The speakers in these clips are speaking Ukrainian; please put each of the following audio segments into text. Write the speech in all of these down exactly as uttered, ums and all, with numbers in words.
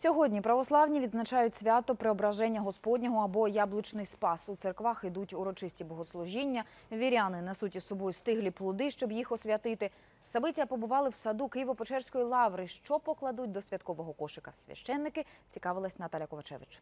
Сьогодні православні відзначають свято Преображення Господнього або Яблучний Спас. У церквах ідуть урочисті богослужіння. Віряни несуть із собою стиглі плоди, щоб їх освятити. Сабиття побували в саду Києво-Печерської лаври. Що покладуть до святкового кошика священники, цікавилась Наталя Ковачевич.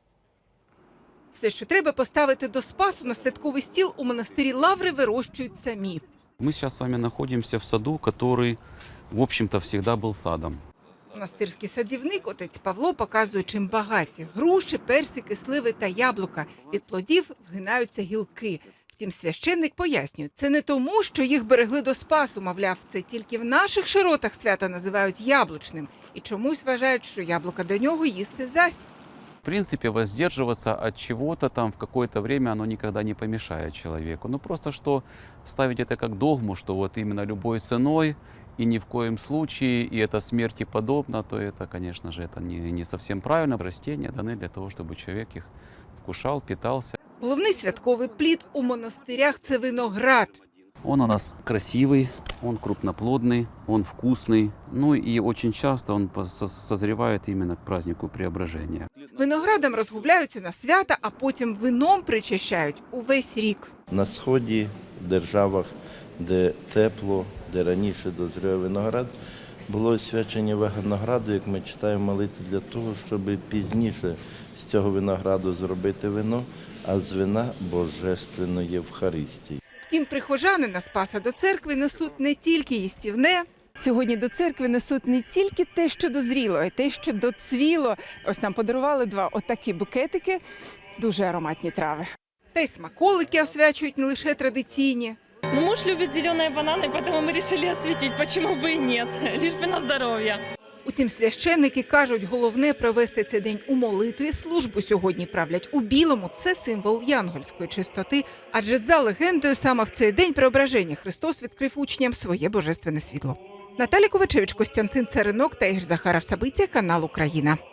Все, що треба поставити до Спасу на святковий стіл, у монастирі Лаври вирощують самі. Мы сейчас с вами находимся в саду, который, в общем-то, всегда был садом. Монастирський садівник отець Павло показує, чим багаті. Груші, персики, сливи та яблука. Від плодів вгинаються гілки. Втім, священник пояснює, це не тому, що їх берегли до Спасу, мовляв, це тільки в наших широтах свята називають яблучним. І чомусь вважають, що яблука до нього їсти зась. В принципе, воздерживаться от чего-то там в какое-то время оно никогда не помешает человеку. Ну просто что ставить это как догму, что вот именно любой ценой и ни в коем случае, и это смерти подобно, то это, конечно же, это не, не совсем правильно. Растения даны для того, чтобы человек их вкушал, питался. Головний святковий плід у монастирях – це виноград. Он у нас красивый, он крупноплодный, он вкусный. Ну и очень часто он созревает именно к празднику Преображения. Виноградом розгубляються на свята, а потім вином причащають увесь рік. На сході, в державах, де тепло, де раніше дозрівав виноград, було освячення винограду, як ми читаємо молитву, для того, щоб пізніше з цього винограду зробити вино, а з вина – божественної Євхаристії. Втім, прихожани на Спаса до церкви несуть не тільки їстівне. Сьогодні до церкви несуть не тільки те, що дозріло, а й те, що доцвіло. Ось нам подарували два отакі букетики, дуже ароматні трави. Та й смаколики освячують не лише традиційні. Ну, муж любит зеленые бананы, поэтому мы решили осветить, почему бы и нет, лишь бы на здоровье. Утім, священники кажуть, головне провести цей день у молитві. Службу сьогодні правлять у білому. Це символ янгольської чистоти. Адже за легендою саме в цей день Преображення Христос відкрив учням своє божественне світло. Наталя Ковачевич, Костянтин Царинок та Ігор Захаров. Сабиття, канал Україна.